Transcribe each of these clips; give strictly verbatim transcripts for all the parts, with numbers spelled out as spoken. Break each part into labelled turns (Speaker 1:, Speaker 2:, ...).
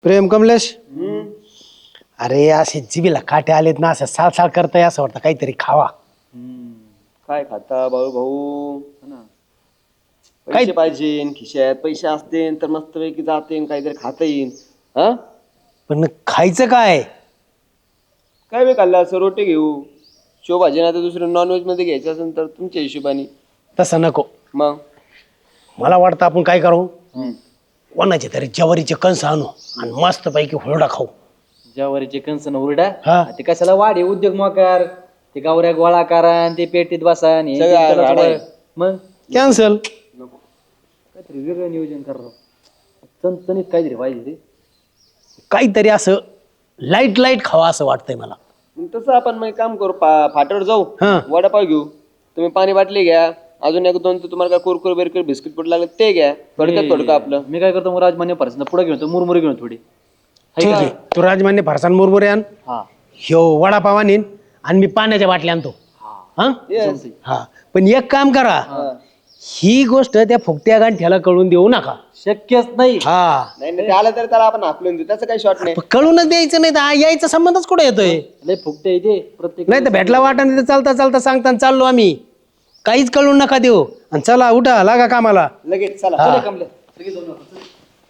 Speaker 1: प्रेम कमलेश. अरे असे जिबीला काटे आलेत ना, असं साल साल करताय असं वाटतं काहीतरी खावा.
Speaker 2: काय खाता भाऊ भाऊ ना, पैसे पाहिजे खिशात, पैसे असते तर मस्त पैकी जाते काहीतरी खाता येईल. हा
Speaker 1: पण खायचं काय?
Speaker 2: काय बे खाल्लं असं, रोटी घेऊ शोभाजी ना, तर दुसरं नॉनव्हेज मध्ये घ्यायचं असेल तर तुमच्या हिशोबाने.
Speaker 1: तसं नको.
Speaker 2: मग
Speaker 1: मला वाटतं आपण काय करू, कोणाचे तरी ज्वारीचे कंस आणू आणि मस्त पैकी हुरडा खाऊ.
Speaker 3: ज्वारीचे कंसन हुरडा
Speaker 1: हा.
Speaker 3: ते कशाला वाढे उद्योग मोकार, ते गावऱ्या गोळा करा आणि ते पेटीत बसा आणि हे
Speaker 2: सगळं
Speaker 3: त्याला
Speaker 2: राडा आहे.
Speaker 3: थोडं- मग
Speaker 1: कॅन्सल.
Speaker 3: काहीतरी वेगळं नियोजन करा. चणचणीत काहीतरी पाहिजे ते.
Speaker 1: काहीतरी असं लाईट लाईट खावा असं वाटतंय मला.
Speaker 2: मग तसं आपण मग काम करू, पा फाट्यावर जाऊ,
Speaker 1: हा.
Speaker 2: वडापाव घेऊ, तुम्ही पाणी बाटली घ्या, अजून एक दोन तर तुम्हाला काय कुरकुर बिरकुर बिस्किट पुट लागले ते घ्या, थोडक्यात थोडकं आपलं.
Speaker 3: मी काय करतो मग राजमान्य परसन पुढे घेऊन येतो, मुरमुरे घेऊन थोडी.
Speaker 1: ठीक आहे, तू राजमान्य फरसान मुरमुरे आण,
Speaker 3: हा
Speaker 1: ह्यो वडापाव आणीन आणि मी पाण्याच्या बाटल्या आणतो. हा
Speaker 2: Yes.
Speaker 1: हा. पण एक काम करा, ही गोष्ट त्या फुकट्या गांठ्याला कळून देऊ नका.
Speaker 3: शक्यच नाही.
Speaker 1: हा,
Speaker 2: नाही नाही, ते आलं तर त्याला आपण हाकलून देऊ, त्याचं काही शॉर्ट नाही.
Speaker 1: पण कळूनच द्यायचं नाही तर यायचा संबंधच कुठे येतोय.
Speaker 3: लय फुकटे इथे प्रत्येक
Speaker 1: नाही तर भेटला वाटा तिथे चालता चालता सांगता चाललो आम्ही, काहीच कळून नका देऊ. आणि चला उठा, लागा कामाला.
Speaker 2: लगेच चला.
Speaker 1: हा.
Speaker 3: कमल्या लगेच जाऊन आपण.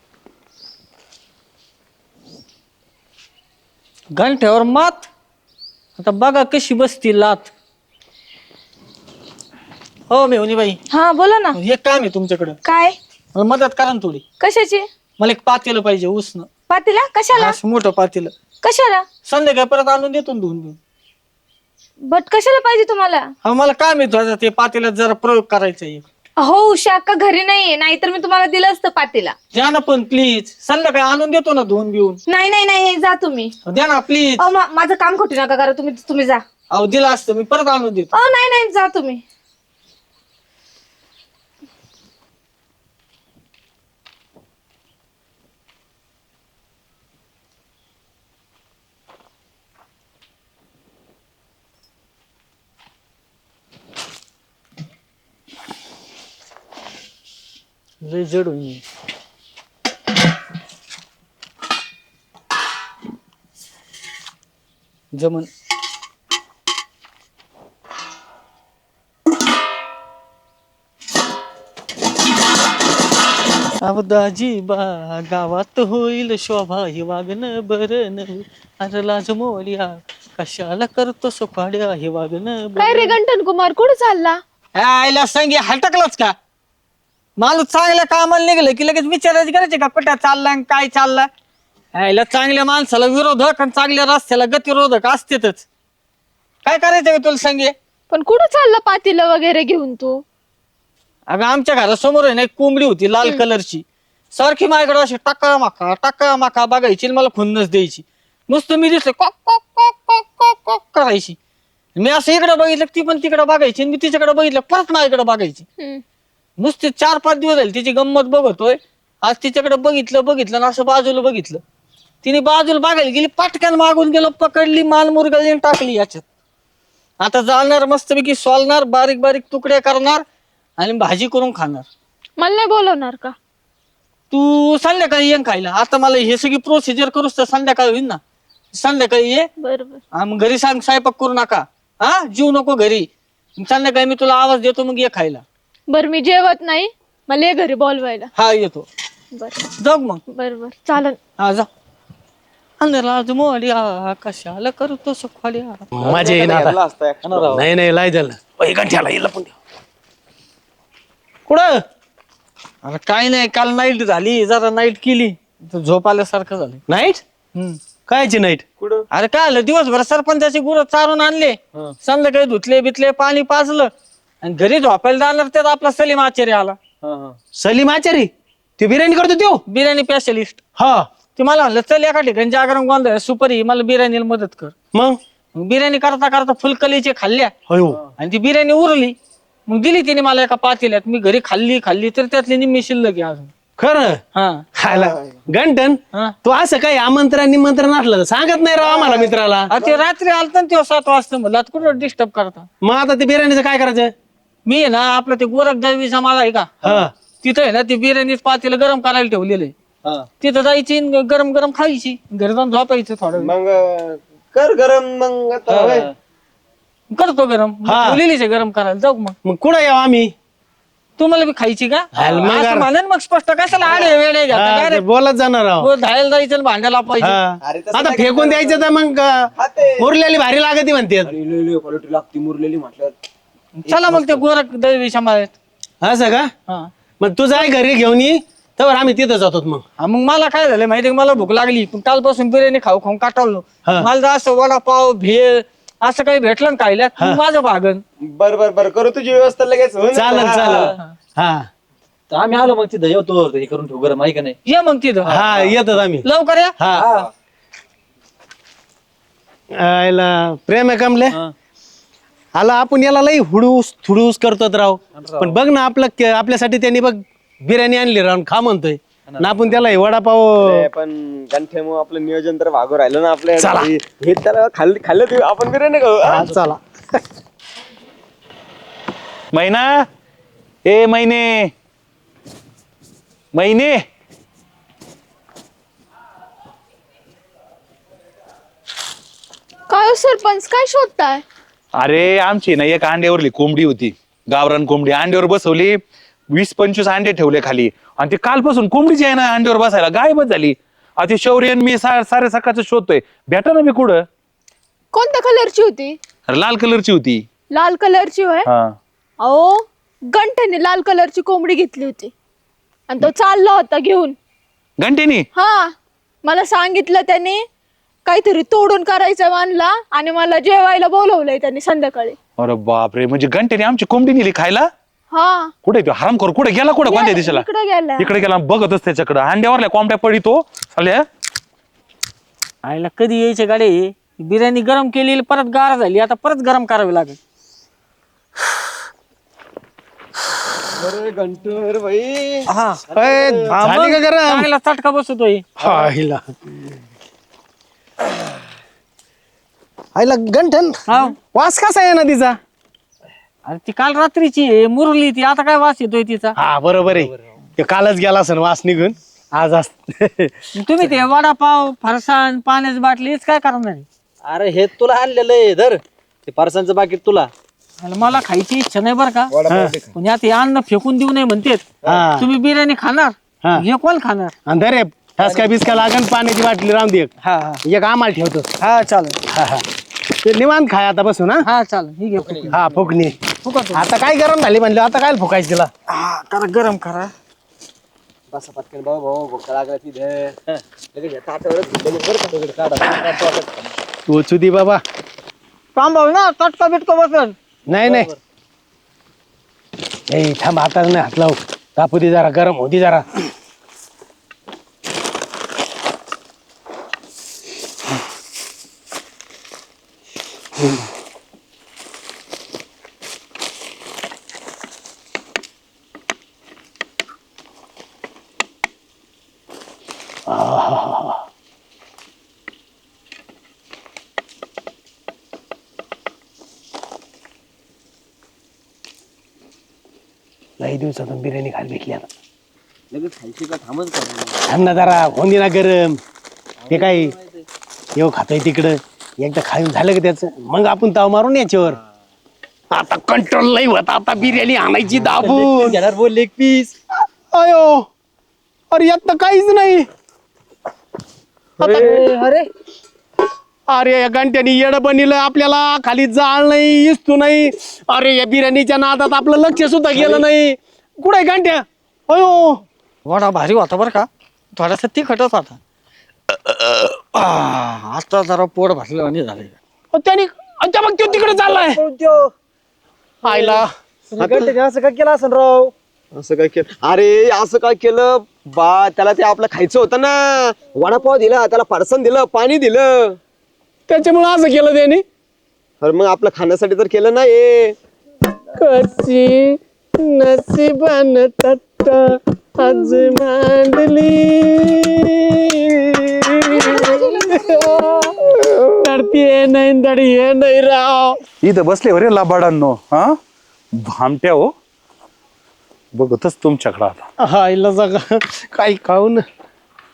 Speaker 4: घंट्यावर मात. आता बघा कशी बसती लात. हो मेहुनी बाई,
Speaker 5: हा बोला ना.
Speaker 4: एक काम आहे तुमच्याकडे,
Speaker 5: काय?
Speaker 4: मला मदत करा ना थोडी.
Speaker 5: कशाची?
Speaker 4: मला एक पातेलं पाहिजे उसनं,
Speaker 5: पातीला कशाला?
Speaker 4: असं मोठं पातेलं.
Speaker 5: कशाला?
Speaker 4: संध्याकाळी परत आणून देतो ना धुवून.
Speaker 5: बट कशाला पाहिजे तुम्हाला?
Speaker 4: हा मला काम आहे तुझं, ते पातेल्यात जरा प्रयोग करायचा आहे.
Speaker 5: हो उषा अक्का घरी नाहीये, नाहीतर मी तुम्हाला दिलं असतं पातीला.
Speaker 4: द्या ना पण प्लीज, संध्याकाळी आणून देतो ना धुवून बिवून.
Speaker 5: नाही नाही नाही जा तुम्ही.
Speaker 4: द्या ना प्लीज.
Speaker 5: अहो मा- माझं काम खोटी नका करा, तुम्ही तुम्ही जा.
Speaker 4: अहो दिलं असतं मी, परत आणून देतो.
Speaker 5: अहो नाही नाही जा तुम्ही.
Speaker 4: लय जड होईल. जमन. सावदाजी बा गावात होईल शोभा, ही वागणं बरं नव्हे. अरे लाज मोर्या कशाला करतो सुखाड्या, हे वागणं
Speaker 5: काय रे गंटन कुमार, कुठे चालला?
Speaker 4: आईला सांगे हटकलंच का? माणूस चांगल्या कामाला निघलं की लगेच विचारायची करायचे का कुठं चालला आणि काय चालला. आईला चांगल्या माणसाला विरोधक आणि चांगल्या रस्त्याला गतिरोधक असतेच. काय करायचं का तुला सांगे?
Speaker 5: पण कुठं चालला पातीला वगैरे घेऊन तू?
Speaker 4: अगं आमच्या घरासमोर आहे ना एक कोंबडी होती लाल कलरची, सारखी माझ्याकडे अशी टाका माका टाका माका बघायची, मला खुन्नस द्यायची. नुसतं मी दिसलं कॉक कॉक कॉक कॉक कॉक कॉक करायची. मी असं इकडे बघितलं ती पण तिकडे बघायची, मी तिच्याकडे बघितलं परत माझ्याकडे बघायची. नुसते चार पाच दिवस झाले तिची गंमत बघतोय. आज तिच्याकडे बघितलं बघितलं ना असं बाजूला बघितलं, तिने बाजूला बघायला गेली, पटकन मागून गेलो, पकडली, माल मुरगळली टाकली याच्यात. आता जाणार मस्तपैकी सोलणार, बारीक बारीक तुकडे करणार आणि भाजी करून खाणार.
Speaker 5: मला नाही बोलवणार का?
Speaker 4: तू संध्याकाळी ये खायला. आता मला हे सगळी प्रोसिजर करूस तर संध्याकाळी होईल ना. संध्याकाळी ये,
Speaker 5: बरोबर.
Speaker 4: मग घरी सांग स्वयंपाक करू नका, हा जीव नको घरी. संध्याकाळी मी तुला आवाज देतो, मग ये खायला.
Speaker 5: बर मी जेवत नाही, मला ये घरी बोलवायला.
Speaker 4: हा येतो.
Speaker 5: बर
Speaker 4: जाऊ मग.
Speaker 5: बर बर चालन.
Speaker 4: हा जा. अंधराज मोड्या कशाला करतो सुखाड्या.
Speaker 1: मजा येईन आता.
Speaker 2: घातला असता extra.
Speaker 1: नाही नाही लाई झालं गांठ्याला येईल पण. कुठं?
Speaker 4: अरे काय नाही, काल नाईट झाली, जरा नाईट केली तर झोप आल्यासारखं झालं.
Speaker 1: नाईट?
Speaker 4: हम्म.
Speaker 1: कायची नाईट?
Speaker 2: कुठं?
Speaker 4: अरे काय आलं, दिवसभर सरपंचाची गुरं चारून आणले, संध्याकाळी धुतले बितले, पाणी पाजलं आणि घरी झोपायला जाणार त्यात आपला सलीम आचार्य आला.
Speaker 2: हा हा
Speaker 1: सलीम आचारी ते बिर्याणी करतो त्यो?
Speaker 4: बिर्याणी स्पेशलिस्ट.
Speaker 1: हा.
Speaker 4: ते मला म्हणलं चल एका ठिकाणी जागरण गोंधळ सुपारी, मला बिर्याणीला मदत कर.
Speaker 1: मग
Speaker 4: मग बिर्याणी करता करता फुलकलीचे खाल्ल्या
Speaker 1: अयो
Speaker 4: आणि ती बिर्याणी उरली, मग दिली तिने मला एका पातेल्यात. मी घरी खाल्ली खाल्ली तर त्यातली निम्मी शिल्लक आहे अजून.
Speaker 1: खरं?
Speaker 4: हा
Speaker 1: खायला गंटन
Speaker 4: हा.
Speaker 1: तू असं काही आमंत्रण निमंत्रण असलं तर सांगत नाही राव आम्हाला मित्राला.
Speaker 4: अरे ते रात्री आलत तेव्हा सात वाजता, म्हणलं आता कुठं डिस्टर्ब करता.
Speaker 1: मग आता ते बिर्याणीचं काय करायचं?
Speaker 4: मी आहे ना आपलं ते गोरख दळवीचा मला आहे का
Speaker 1: हा
Speaker 4: तिथं आहे ना ते बिर्याणीच पातेलं गरम करायला ठेवलेलं आहे.
Speaker 3: हा.
Speaker 4: तिथं जायची न गरम गरम खायची घरी जाऊन झोपायचं थोडं वेळ.
Speaker 2: मग अं, कर गरम मग आता होय.
Speaker 4: करतो गरम
Speaker 1: हा.
Speaker 4: ठेवलेलीच आहे गरम करायला जाऊ मग
Speaker 1: मग कुठं यावं आम्ही
Speaker 4: तुम्हाला बी खायची का
Speaker 1: हाल मग
Speaker 4: असं
Speaker 1: अरे.
Speaker 4: म्हणेन मग स्पष्ट कशाला आडे वेळे घेता
Speaker 1: हा,
Speaker 4: काय
Speaker 1: ते
Speaker 4: रे?
Speaker 1: बोलत जाणार आहो
Speaker 4: हो, धायला जायचं आणि भांड्याला पाहिजे
Speaker 1: हा.
Speaker 2: अरे तसं
Speaker 1: आता
Speaker 2: नाही
Speaker 1: फेकून द्यायचं तर मग
Speaker 2: खाते.
Speaker 1: मुरलेली भारी लागते म्हणते
Speaker 2: क्वालिटी लागती मुरलेली म्हटलं
Speaker 4: चला मग ते गोरख दैवी समाजात
Speaker 1: असं का
Speaker 4: हा
Speaker 1: मग तू जाय घरी घेऊन ये तर आम्ही तिथं जातो मग
Speaker 4: हा, मग मला काय झालं माहिती मला भूक लागली पण कालपासून बिर्याणी खाऊ खाऊन काटावलो
Speaker 1: हा.
Speaker 4: मला जर असं वडापाव भेळ असं काही भेटलं ना खायला मग माझं भागन
Speaker 2: बर बर बर करू तुझी व्यवस्था लगेच होऊन
Speaker 1: चालेल
Speaker 2: हा,
Speaker 1: चालेल हा
Speaker 3: तर आम्ही आलो मग तिथं जेवतो हे करून ठेवू गरम आहे का नाही.
Speaker 4: ये मग तिथं
Speaker 1: हा येतात आम्ही
Speaker 4: लवकर या
Speaker 1: हा आयला प्रेम आहे कमले आला आपण याला लई हुडूस थुडूस करतो राव पण बघ ना आपलं के- आपल्यासाठी त्यांनी बघ बिर्याणी आणली राव खा म्हणतोय ना आपण त्याला हे वडापाव
Speaker 2: ते पण गंठ्यामुळे आपलं नियोजन तर भागू राहिलं ना आपल्या
Speaker 1: चला.
Speaker 2: हे त्याला खाल्लं खाल्लं ते आपण बिर्याणी खाऊ हा?
Speaker 1: हा, चला
Speaker 6: महिना ए महिने महिने
Speaker 5: काय हो सरपंच काय शोधताय?
Speaker 6: अरे आमची ना एक अंड्यावरली कोंबडी होती गावरान कोंबडी अंड्यावर बसवली वीस पंचवीस अंडे ठेवले खाली आणि ते कालपासून कोंबडीची आहे ना अंड्यावर बसायला गायबच झाली आता ते शौर्य आणि मी सा- सारे सकाळचं शोधतोय भेटा ना मी कुठं
Speaker 5: कोणत्या कलरची होती?
Speaker 6: अरे लाल कलरची होती
Speaker 5: लाल कलरची होय?
Speaker 6: हा
Speaker 5: अहो गंठ्याने लाल कलरची कोंबडी घेतली होती आणि तो चालला होता घेऊन.
Speaker 6: घंटेनी
Speaker 5: हा मला सांगितलं त्याने काहीतरी तोडून करायचं मानला आणि मला जेवायला बोलवलंय त्यांनी संध्याकाळी.
Speaker 6: अरे बापरे म्हणजे घंटेने आमची कोंबडी नेली खायला
Speaker 5: हा
Speaker 6: कुठे तो हरामखोर कुठे गेला कुठे कोणत्या दिशेला
Speaker 5: इकडे गेला.
Speaker 6: इकडे गेला बघतच त्याच्याकडे अंड्यावरल्या कोंबड्या पडितो चालल्या
Speaker 4: आईला कधी यायचे गाडी बिर्याणी गरम केली परत गार झाली आता परत गरम करावी लागेल
Speaker 2: अरे गंठर भाई
Speaker 4: हा
Speaker 1: अय, झाली का गरम
Speaker 4: चांगला चटका बसतोय
Speaker 1: हा, हिला. आईला गंठन
Speaker 4: हा
Speaker 1: वास कसा आहे ना तिचा
Speaker 4: अरे ती काल रात्रीची आहे, मुरली ती आता काय वास येतोय तिचा
Speaker 1: हा बरोबर आहे ते कालच गेला असेल वास निघून आज अस
Speaker 4: तुम्ही ते वडापाव फरसाण पाण्याची बाटली हेच काय करणार आहे?
Speaker 3: अरे हे तुला आणलेलं आहे धर ते फारसांचं बाकीट तुला.
Speaker 4: आणि मला खायची इच्छा नाही बरं का पण यात हे अन्न फेकून देऊ नये म्हणतेत
Speaker 1: हा.
Speaker 4: तुम्ही बिर्याणी खाणार
Speaker 1: हा.
Speaker 4: हे कोण खाणार
Speaker 1: आणि अरे ठसका बिस्का लागन पाण्याची बाटली राहून दे एक.
Speaker 4: हा हा
Speaker 1: एक आम्हाला ठेवतो
Speaker 4: हा चालेल
Speaker 1: हा, हा. ते निवांत खाय आता बसून हा
Speaker 4: हा चालेल ही घे फुकट.
Speaker 1: हा फुकणी
Speaker 4: फुकट.
Speaker 1: आता काय गरम झाली म्हणलं आता काय फुकायचं तिला
Speaker 4: हा, करा गरम करा
Speaker 2: बसा पटकन भाऊ भाऊ भूक लागला तिथे लगेच या ताटावरच घेतलेली बरं का तिकडे काढा.
Speaker 1: तू चुदी बाबा
Speaker 4: थांबव ना चटका बिटका बसल
Speaker 1: नाही नाही ए थांब हातात नाही हात लावू तापू दे जरा गरम होती जरा लई दिवसातून बिर्याणी खायला भेटली आता
Speaker 2: लगेच खायची का थांबच का
Speaker 1: थांब ना जरा होऊन ना गरम ते काय येऊ खातोय तिकडं एकदा खाऊन झालं का त्याचं मग आपण ताव मारून याच्यावर आता कंट्रोल नाही होत आता बिर्याणी आणायची दाबून
Speaker 3: घेणार बोल लेग पीस.
Speaker 1: अयो अरे यात तर काहीच नाही
Speaker 4: अरे
Speaker 1: अरे या घंट्यानी येड बनलं आपल्याला खाली जाळ नाही इस्तू नाही अरे या बिर्याणीच्या नादात आपलं लक्ष सुद्धा गेलं नाही कुठे घंट्या अयो
Speaker 4: वडा भारी होता बरं का थोडासा तिखटच होता आ, आता जरा पोट भरलं आणि झालं
Speaker 1: अहो, त्याने अच्छा मग तो तिकडे चाललाय आयला
Speaker 3: असं काय केलं असं राव.
Speaker 2: असं काय केलं अरे असं काय केलं बा त्याला ते आपलं खायचं होतं ना वडापाव दिला त्याला फरसाण दिलं पाणी दिलं
Speaker 1: त्याच्यामुळे असं केलं त्याने
Speaker 2: तर मग आपलं खाण्यासाठी तर केलं ना हे
Speaker 1: कशी नसीबान तट्ट आज मांडली तरती नाही दडी हे नाही राव
Speaker 6: इथं बसले हो रे लाबाडांनो हा भामट्या हो बघतच तुमच्याकडं आता
Speaker 1: हा इला जागा काही खाऊन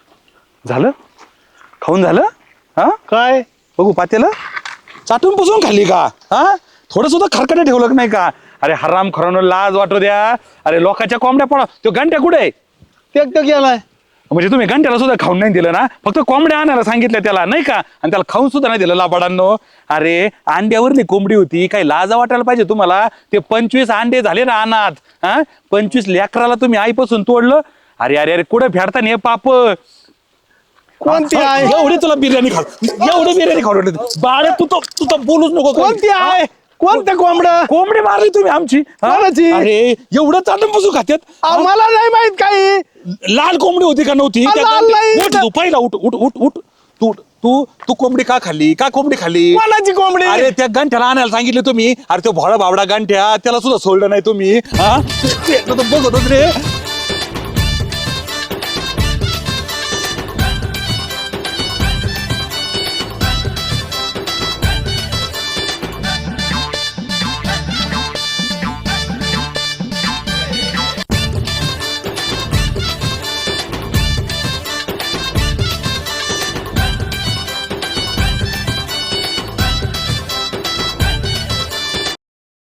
Speaker 6: झालं खाऊन झालं हा
Speaker 1: काय
Speaker 6: बघू पातेलं चाटून पुसून खाल्ली का हा थोडं सुद्धा खरकटे ठेवलं का नाही का अरे हराम खरानो लाज वाटू द्या अरे लोकांच्या कोंबड्या पडा तो घंट्या कुठे आहे
Speaker 1: ते तो गेलाय
Speaker 6: म्हणजे तुम्ही घंट्याला सुद्धा खाऊन नाही दिलं ना फक्त कोंबड्या आणायला सांगितलं त्याला नाही का आणि त्याला खाऊन सुद्धा नाही दिलं लाबाडांनो अरे अंड्यावरली कोंबडी होती काही लाजा वाटायला पाहिजे तुम्हाला ते पंचवीस अंडे झाले ना अनाथ हा पंचवीस लेकराला तुम्ही आईपासून तोडलं अरे अरे अरे कुठं फेडता नाही पाप
Speaker 1: कोणती
Speaker 6: हा,
Speaker 1: आहे
Speaker 6: एवढी तुला बिर्याणी खा एवढी बिर्याणी खाऊ बाळे तू तर तू तर बोलूच नको काही.
Speaker 1: कोणती आहे कोणतं कोंबडं
Speaker 6: कोंबडी मारली तुम्ही आमची हा?
Speaker 1: कोणाची?
Speaker 6: अरे एवढं चाटून बसू खात्यात
Speaker 1: आम्हाला नाही माहित काही
Speaker 6: लाल कोंबडी होती का नव्हती
Speaker 1: आ,
Speaker 6: त्या
Speaker 1: लाल
Speaker 6: गांधी-
Speaker 1: नाही.
Speaker 6: उठ तू पहिला उठ उठ उठ उठ तू तू तू कोंबडी का खाल्ली का कोंबडी खाल्ली
Speaker 1: कोणाची कोंबडी
Speaker 6: अरे त्या गंठ्याला आणायला सांगितले तुम्ही अरे तो भोळा बावडा गंठ्या त्याला सुद्धा सोडलं नाही तुम्ही हा ते- तो बघत होत रे